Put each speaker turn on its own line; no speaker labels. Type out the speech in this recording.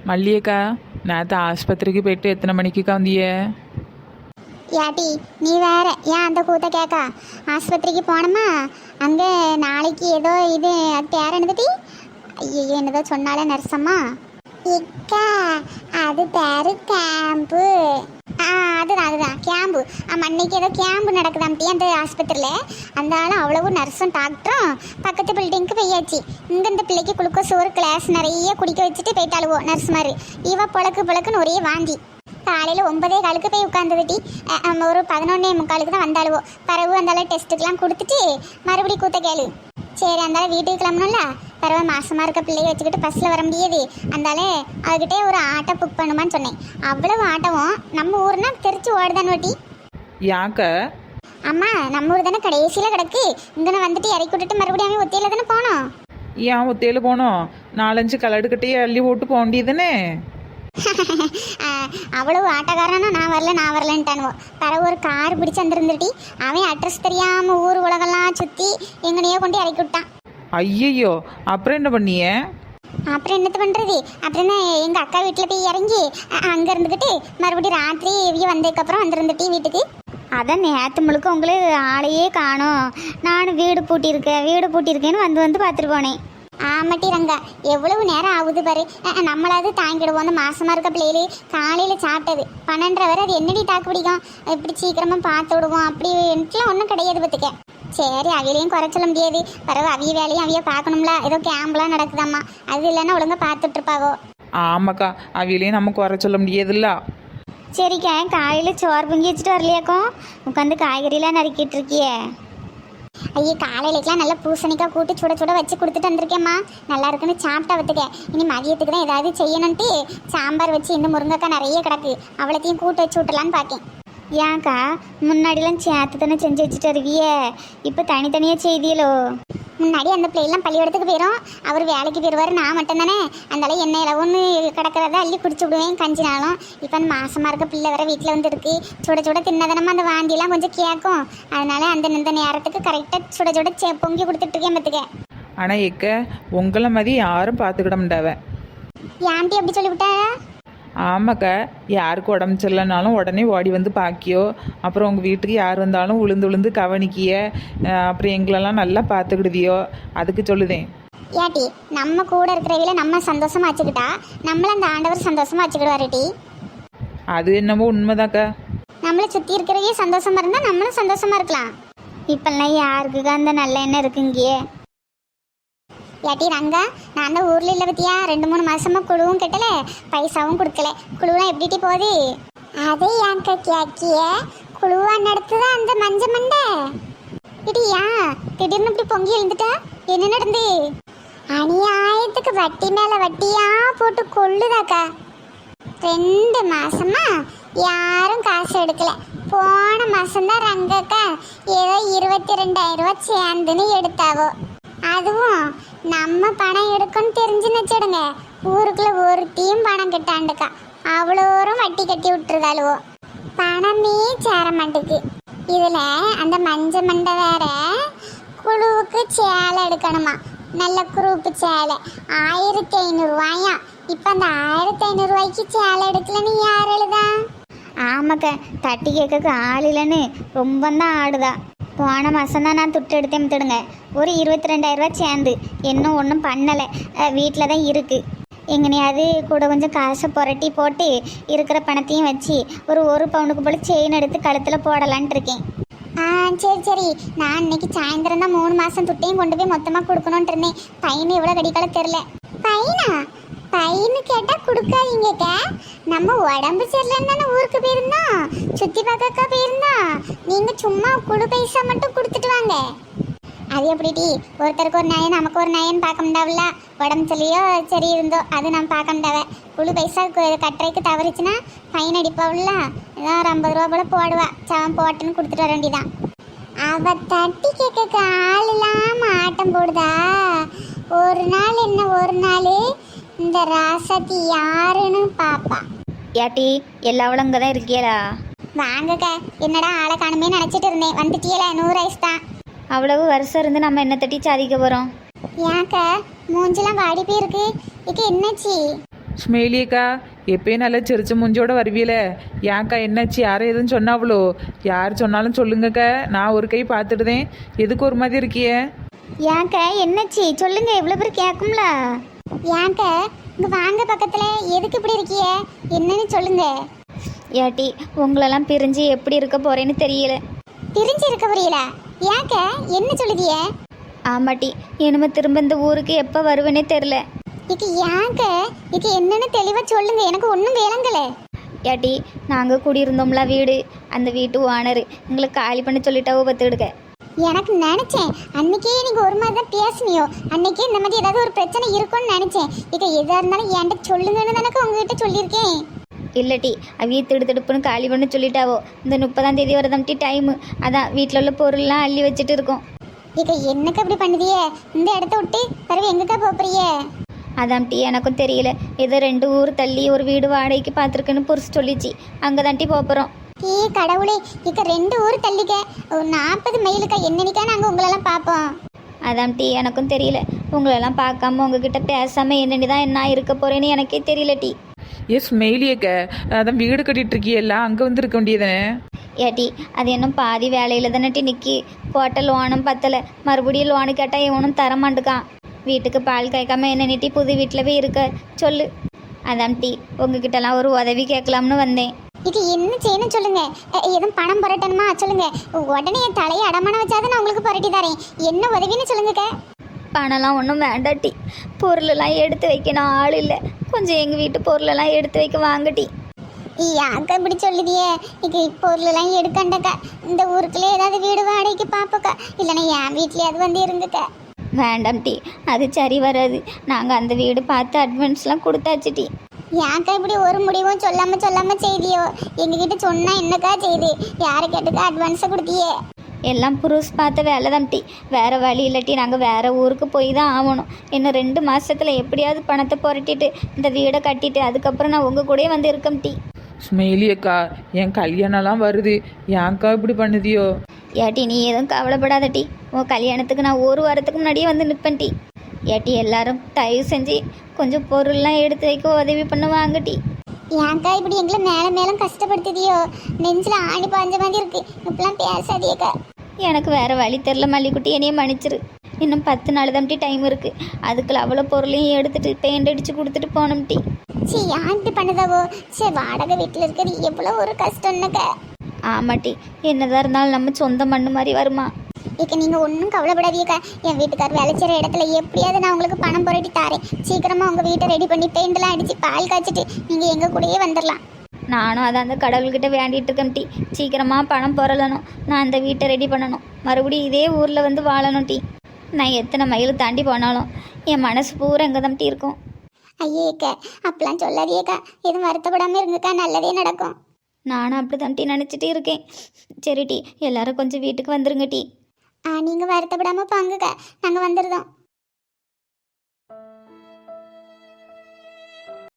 மல்லியக்கா, நேற்று ஆஸ்பத்திரிக்கு போயிட்டு எத்தனை மணிக்குக்கா வந்திய?
யாட்டி நீ வேற ஏன் அந்த கூத்த கேட்கா? ஆஸ்பத்திரிக்கு போனோமா, அங்கே நாளைக்கு ஏதோ இது அது பேர் என்னதுட்டி? ஐயோ என்னதோ சொன்னாலே நர்சம்மா. இக்கா அது பேரு கேம்பு. அதுதான் கேம்பு. அன்னைக்கு ஏதோ கேம்பு நடக்குதாம்ட்டி அந்த ஆஸ்பத்திரியில். அந்த ஆளும் அவ்வளவு நர்ஸும் டாக்டரும் பக்கத்து பில்டிங்க்கு போயாச்சு. இங்கே இந்த பிள்ளைக்கு குளுக்கோஸ் ஒரு கிளாஸ் நிறைய குடிக்க வச்சுட்டு போயிட்டாளுவோ நர்ஸ் மாதிரி. இவ புழக்குன்னு ஒரே வாந்தி. காலையில் 9:15 போய் உட்காந்துட்டி. ஒரு 11:45 தான் வந்தாளுவோ. பிறகு அந்தால டெஸ்ட்டுக்கெலாம் கொடுத்துட்டு மறுபடியும் கூத்த கேளு. சரி அந்தால வீட்டுக்கு கிளம்பணும்ல. பிறகு மாசமாக இருக்க பிள்ளைய வச்சுக்கிட்டு பஸ்ஸில் வர முடியாது. அந்தால அதுக்கிட்டே ஒரு ஆட்டோ புக் பண்ணுமான்னு சொன்னேன். அவ்வளவு ஆட்டோவும் நம்ம ஊர்னா தெரிச்சு ஓடுதான்னு ஓட்டி.
யாக்க?
அம்மா நம்ம ஊர் தானே கடைசியில் கிடக்கு. இங்கே வந்துட்டு இறக்கி விட்டுட்டு மறுபடியும் ஒத்தையில் தானே போனோம்.
ஏன் ஒத்தையில் போனோம்? 4-5 கலடுக்கிட்டே அள்ளி போட்டு போக வேண்டியதுதானே?
அவ்வளவு ஆட்டக்காரனா நான் வரலன்ட்டானுவோ. பிறகு ஒரு கார் பிடிச்சி வந்துருந்துட்டி. அவன் அட்ரஸ் தெரியாமல் ஊர் உலகெல்லாம் சுற்றி எங்கனையோ கொண்டு இறக்கி விட்டான்.
ஐயையோ, அப்புறம் என்ன பண்ணிய?
அப்புறம் என்னத்து பண்ணுறது? அப்புறம் தான் எங்கள் அக்கா வீட்டில் போய் இறங்கி அங்கே இருந்துக்கிட்டு மறுபடியும் ராத்திரி இவ்விய வந்ததுக்கப்புறம் வந்துருந்துட்டி வீட்டுக்கு. அதான் நேற்று முழுக்க உங்களுக்கு ஆளையே காணோம். நானும் வீடு பூட்டியிருக்கேன்னு வந்து பார்த்துட்டு போனேன். ஆமாட்டி ரங்கா, எவ்வளவு நேரம் ஆகுது பாரு. நம்மளாவது தாங்கிடுவோம். அந்த மாசமாக இருக்க பிள்ளைகளு காலையில் சாப்பிட்டது 12:30 வரை. அது என்னடி தாக்கு பிடிக்கும்? இப்படி சீக்கிரமாக பார்த்து விடுவோம் அப்படின்ட்டுலாம் ஒன்றும் கிடையாது பார்த்துக்க. சரி அவியலையும் குறை சொல்ல முடியாது. பிறகு அவிய வேலையும் அவிய பார்க்கணும்ல. ஏதோ கேம்ப்லாம் நடக்குதாம்மா, அது இல்லைன்னா ஒழுங்காக பார்த்துட்ருப்பாவோ.
ஆமாக்கா, அவியலையும் நம்ம குறை சொல்ல முடியாதுல்ல.
சரிக்கா, காலையில் சோறு பொங்கி வச்சுட்டு வரலையாக்கும்? உட்காந்து காய்கறிலாம் நறுக்கிட்டு இருக்கியே. ஐயோ காலையிலக்கெலாம் நல்லா பூசணிக்காய் கூட்டு சுட வச்சு கொடுத்துட்டு வந்திருக்கேம்மா. நல்லா இருக்குன்னு சாப்பிட்டா வத்துக்க. இனி மதியத்துக்கு தான் ஏதாவது செய்யணுன்ட்டு சாம்பார் வச்சு இந்த முருங்கைக்காய் நிறைய கிடக்கு, அவ்வளோத்தையும் கூட்டு வச்சு விட்டலான்னு பார்க்கேன். ஏன்க்கா முன்னாடிலாம் சேர்த்து தானே செஞ்சு வச்சுட்டு வருவியே, இப்போ தனித்தனியாக செய்தியலோ? முன்னாடி அந்த பிள்ளைலாம் பள்ளிக்கூடத்துக்கு போயிடும், அவர் வேலைக்கு போயிடுவார், நான் மட்டும்தானே. அதனால எண்ணெயில் ஒன்று கிடக்கிறத அள்ளி குடிச்சு விடுவேன் கஞ்சினாலும். இப்போ அந்த மாசமாக இருக்க பிள்ளை வர வீட்டில் வந்து இருக்கு. சுட தின்னதனமாக அந்த வாந்தியெல்லாம் கொஞ்சம் கேட்கும். அதனால இந்த நேரத்துக்கு கரெக்டாக சுட பொங்கி கொடுத்துட்ருக்கேன் பார்த்துக்க.
ஆனால் எக்க உங்களை மாதிரி யாரும் பார்த்துக்கிட மாட்டாவ.
ஏன்ட்டி அப்படி சொல்லிவிட்டா?
ஆமாக்கா, யாருக்கு உடம்பு சரியில்லைனாலும் உடனே ஓடி வந்து பாக்கியோ. அப்புறம் உங்கள் வீட்டுக்கு யார் வந்தாலும் உளுந்து கவனிக்கிய. அப்புறம் எங்களெல்லாம் நல்லா பார்த்துக்கிடுதியோ, அதுக்கு சொல்லுதேன்.
ஏட்டி நம்ம கூட இருக்கிறவில நம்ம சந்தோஷமா வச்சுக்கிட்டா நம்மள அந்த ஆண்டவர் சந்தோஷமா வச்சுக்கிடுவாருட்டி.
அது என்னமோ உண்மைதாக்கா.
நம்மளை சுற்றி இருக்கிறவே சந்தோஷமா இருந்தால் நம்மளும் சந்தோஷமா இருக்கலாம். இப்பெல்லாம் யாருக்கு அந்த நல்ல எண்ணம் இருக்குங்கியே. ஏட்டி ரங்கா, நான் தான் ஊரில் இல்லை பற்றியா 2-3 மாதமாக குழுவும் கட்டலை, பைசாவும் கொடுக்கல. குழுவெலாம் எப்படிட்டி போகுது? அதே ஏன்க்கா கேக்கிய? குழுவா நடத்துதான் அந்த மஞ்ச மண்டை இடியா திடீர்னு இப்படி பொங்கி எழுந்துட்டா? என்ன நடந்து? அநியாயத்துக்கு வட்டி மேலே வட்டியா போட்டு கொள்ளுதாக்கா. 2 மாசமா யாரும் காசு எடுக்கல. போன மாசம்தான் ரங்கக்கா ஏதோ 22,000 ரூபா சேர்ந்துன்னு எடுத்தாவோ. அதுவும் நம்ம பணம் எடுக்கணும்னு தெரிஞ்சுன்னு வச்சிடுங்க, ஊருக்குள்ள ஒருத்தையும் பணம் கட்டாண்டுக்கா. அவ்வளோரும் வட்டி கட்டி விட்டுருதாளுவோ. பணமே சேர மாட்டுக்கு. இதில் அந்த மஞ்ச மண்டை வேற குழுவுக்கு சேலை எடுக்கணுமா, நல்ல குரூப்பு சேலை 1,500 ரூபாயா. இப்போ அந்த 1,500 ரூபாய்க்கு சேலை எடுக்கலன்னு யார் எழுதா? ஆமாக்கா, தட்டி கேட்க ஆள் இல்லைன்னு ரொம்ப தான் ஆடுதா. போன மாதம் தான் நான் துட்டு எடுத்தேன் விட்டுடுங்க, ஒரு 22,000 ரூபா சேர்ந்து. இன்னும் ஒன்றும் பண்ணலை, வீட்டில் தான் இருக்குது. எங்கனையாவது கூட கொஞ்சம் காசை புரட்டி போட்டு இருக்கிற பணத்தையும் வச்சு ஒரு பவுனுக்கு போல் செயின் எடுத்து கழுத்தில் போடலான்ட்டு இருக்கேன். சரி நான் இன்னைக்கு சாயந்தரம் தான் 3 மாதம் துட்டையும் கொண்டு போய் மொத்தமாக கொடுக்கணுன்ட்டு இருந்தேன். பையனு எவ்வளோ கடிக்கால தெரில. பையனு கேட்டால் கொடுக்காதீங்க. நம்ம உடம்பு சரியில்லைன்னு தானே ஊருக்கு போயிருந்தோம், சுற்றி பார்க்கக்கா போயிருந்தோம். நீங்கள் சும்மா குழு பைசா மட்டும் கொடுத்துட்டு வாங்க. அது எப்படிடி? ஒருத்தருக்கு ஒரு நயன் நமக்கு ஒரு நயன் பார்க்க முடியாவில்ல. உடம்பு சொல்லியோ சரி இருந்தோ அது நம்ம பார்க்க முடியாவ. குழு பைசா கட்டுறைக்கு தவறிச்சுன்னா ஃபைன் அடிப்பாவில்ல. ஏதோ ஒரு 50 ரூபா போல போடுவா. சவன் போட்டுன்னு கொடுத்துட்டு வர வேண்டியதான். அவ தட்டி கேட்க ஆள் இல்லாமல் ஆட்டம் போடுதா. ஒரு நாள் என்ன ஒரு நாள் இந்த ராசத்தி யாருன்னு பாப்பா.
ஏட்டி எல்லாவளும் இங்கே தான் இருக்கியலா?
வாங்கக்கா. என்னடா ஆளை காணுமே நினச்சிட்டு இருந்தேன். வந்துட்டியல 100 ஐஸ் தான்.
அவ்வளவு வருஷம் இருந்து நம்ம என்ன தட்டி சாதிக்க போகிறோம்?
ஏன்க்கா மூஞ்சிலாம் வாடி போயிருக்கு? இக்க என்னாச்சு?
ஸ்மெயிலியக்கா எப்பயும் நல்லா சிரிச்ச மூஞ்சோட வருவீல. ஏன்க்கா என்னாச்சு? யாரும் எதுவும் சொன்னாவளோ? யார் சொன்னாலும் சொல்லுங்கக்கா, நான் ஒரு கை பார்த்துடுதேன். எதுக்கு ஒரு மாதிரி இருக்கியே?
ஏங்க என்னச்சி சொல்லுங்க, எவ்வளோ பேர் கேட்கும்ல. ஏங்க இங்க வாங்க பக்கத்துல, எதுக்கு இப்படி இருக்கிய? என்னன்னு சொல்லுங்க.
ஏட்டி உங்களெல்லாம் பிரிஞ்சு எப்படி இருக்க போறேன்னு தெரியல.
பிரிஞ்சு இருக்க புரியல? ஏங்க என்ன சொல்லுதிய?
ஆமாட்டி, இனிமே திரும்ப இந்த ஊருக்கு எப்போ வருவேனே தெரில.
இது ஏங்க இது என்னன்னு தெளிவா சொல்லுங்க, எனக்கு ஒன்றும் விளங்கல.
ஏட்டி நாங்கள் குடியிருந்தோம்ல வீடு, அந்த வீட்டு ஓனர் எங்களை காலி பண்ண சொல்லிட்டாவோ பார்த்துக்கிடுக்க.
எனக்கு நினைச்சேன் அன்னைக்கே நீங்க ஒரு மாதிரி தான் பேசுனியோ, அன்னைக்கே இந்த மாதிரி ஏதாவது ஒரு பிரச்சனை இருக்கும்னு நினைச்சேன். இது எதா இருந்தாலும் என்கிட்ட சொல்லுங்கன்னு தானே உங்ககிட்ட சொல்லியிருக்கேன்.
இல்லட்டி அவிய திடுப்புன்னு காலி பண்ண சொல்லிட்டாவோ. இந்த 30ஆம் தேதி வரதாம்ட்டி டைமு. அதான் வீட்டில் உள்ள பொருள்லாம் அள்ளி வச்சுட்டு இருக்கோம்.
இக்க என்னக்கு அப்படி பண்ணுதியே? இந்த இடத்த விட்டு பிறகு எங்கக்கா போறியே?
அதாம்ட்டி எனக்கும் தெரியல. ஏதோ 2 ஊர் தள்ளி ஒரு வீடு வாடகைக்கு பார்த்துருக்குன்னு புரிச்சு சொல்லிச்சு. அங்கே தான்ட்டி போகிறோம்.
ஏ கடவுளே, இக்க 2 ஊர் தள்ளிக்க, ஒரு 40 மைலுக்கா. என்னன்னைக்கா நாங்கள் உங்களெல்லாம் பார்ப்போம்?
அதாம்ட்டி எனக்கும் தெரியல. உங்களெல்லாம் பார்க்காம உங்ககிட்ட பேசாமல் என்னென்னு தான் என்ன இருக்க போகிறேன்னு எனக்கே தெரியல டி.
ஸ்மெயிலியக்க, அதான் வீடு கட்டிட்டு இருக்கியல்ல, அங்கே வந்து இருக்க வேண்டியதானே?
ஏட்டி அது இன்னும் பாதி வேலையில் தானே நிற்கி. போட்ட லோனும் பத்தலை, மறுபடியும் லோனு கேட்டால் இவனும் தரமாட்டுக்கான். வீட்டுக்கு பால் காய்க்காம என்ன நீட்டி புது வீட்டில் போய் இருக்க சொல்லு. அதான் டி உங்ககிட்டலாம் ஒரு உதவி கேட்கலாம்னு வந்தேன்.
இது என்ன செய்யணும் சொல்லுங்க. எதுவும் பணம் புரட்டணுமா சொல்லுங்க. உடனே என் தலையை அடமான வச்சாதான் நான் உங்களுக்கு புரட்டி தரேன். என்ன உதவின்னு சொல்லுங்கக்கா.
பணம்லாம் ஒன்றும் வேண்டாட்டி, பொருளெல்லாம் எடுத்து வைக்கணும் ஆள் இல்லை. கொஞ்சம் எங்கள் வீட்டு பொருளெல்லாம் எடுத்து வைக்க வாங்கட்டி.
யாக்கா இப்படி சொல்லுதியே? இது பொருளெல்லாம் எடுக்கண்டக்கா. இந்த ஊருக்குள்ளே ஏதாவது வீடு வாடகைக்கு பார்ப்போக்கா, இல்லைன்னா என் வீட்லயாவது வந்து இருங்கக்கா.
வேண்டாம் டி, அது சரி வராது. நாங்கள் அந்த வீடு பார்த்து அட்வான்ஸ்லாம் கொடுத்தாச்சு டி.
யாக்கா இப்படி ஒரு முடிவும் சொல்லாம செய்தியோ? எங்ககிட்ட சொன்னா என்னக்கா செய்து? யாரை கேட்டுக்கா அட்வான்ஸை கொடுத்தியே?
எல்லாம் புருஷ் பார்த்த வேலை தான் டி. வேறு வழி இல்லாட்டி நாங்கள் வேறு ஊருக்கு போய் தான் ஆகணும். இன்னும் 2 மாதத்தில் எப்படியாவது பணத்தை புரட்டிட்டு இந்த வீடை கட்டிட்டு அதுக்கப்புறம் நான் உங்கள் கூடயே வந்து இருக்கேன் டி.
ஸ்மெயிலியக்கா, என் கல்யாணம்லாம் வருது, ஏன்க்கா இப்படி பண்ணுதியோ?
ஏட்டி நீ எதுவும் கவலைப்படாத டி. உன் கல்யாணத்துக்கு நான் 1 வாரத்துக்கு முன்னாடியே வந்து நிற்பேன் டி. ஏட்டி எல்லாரும் தயவு செஞ்சு கொஞ்சம் பொருள்லாம் எடுத்து வைக்க உதவி பண்ண வாங்க டி.
ஏன்க்கா இப்படி எங்களை மேலும் கஷ்டப்படுத்துதியோ? நெஞ்சில் ஆணி பாஞ்ச மாதிரி இருக்கு. இப்பெல்லாம் பேசாதியக்கா.
எனக்கு வேறு வழி தெரில மல்லிக்குட்டி, என்னையே மன்னிச்சிரு. இன்னும் 10 நாள் தான் டி டைம் இருக்குது. அதுக்குள்ள அவ்வளோ பொருளையும் எடுத்துட்டு பெயிண்ட் அடித்து கொடுத்துட்டு போனோம் டி.
சரி யான் இப்படி பண்ணுதாவோ? சரி வாடகை வீட்டில் இருக்கிறது எவ்வளோ ஒரு கஷ்டம்னுக்கா.
ஆமாட்டி, என்னதான் இருந்தாலும் நம்ம சொந்த மண்ணு மாதிரி வருமா?
இக்க நீங்கள் ஒன்றும் கவலைப்படாதீக்கா. என் வீட்டுக்கார் வேலை செய்கிற இடத்துல எப்படியாவது நான் உங்களுக்கு பணம் புரட்டி தாரேன். சீக்கிரமாக உங்கள் வீட்டை ரெடி பண்ணி பெயிண்டெல்லாம் அடித்து பால் காய்ச்சிட்டு நீங்கள் எங்கள் கூடயே வந்துடலாம்.
நானும் அதை அந்த கடவுள்கிட்ட வேண்டிகிட்டு இருக்கேன் டி. சீக்கிரமாக பணம் புரளணும், நான் அந்த வீட்டை ரெடி பண்ணணும், மறுபடியும் இதே ஊரில் வந்து வாழணும் டி. நான் எத்தனை மைல் தாண்டி போனாலும் என் மனசு பூரா எங்கே தான் டி இருக்கும்.
ஐயேக்கா அப்படிலாம் சொல்லாதியேக்கா. எதுவும் வருத்தப்படாமல் இருங்கக்கா, நல்லதே நடக்கும்.
நானும் அப்படி தான் டி நினச்சிட்டே இருக்கேன். சரி டி, எல்லாரும் கொஞ்சம் வீட்டுக்கு வந்துருங்க டி.
நீங்கள் வருத்தப்படாமல் போங்கக்கா, நாங்கள் வந்துடுதோம்.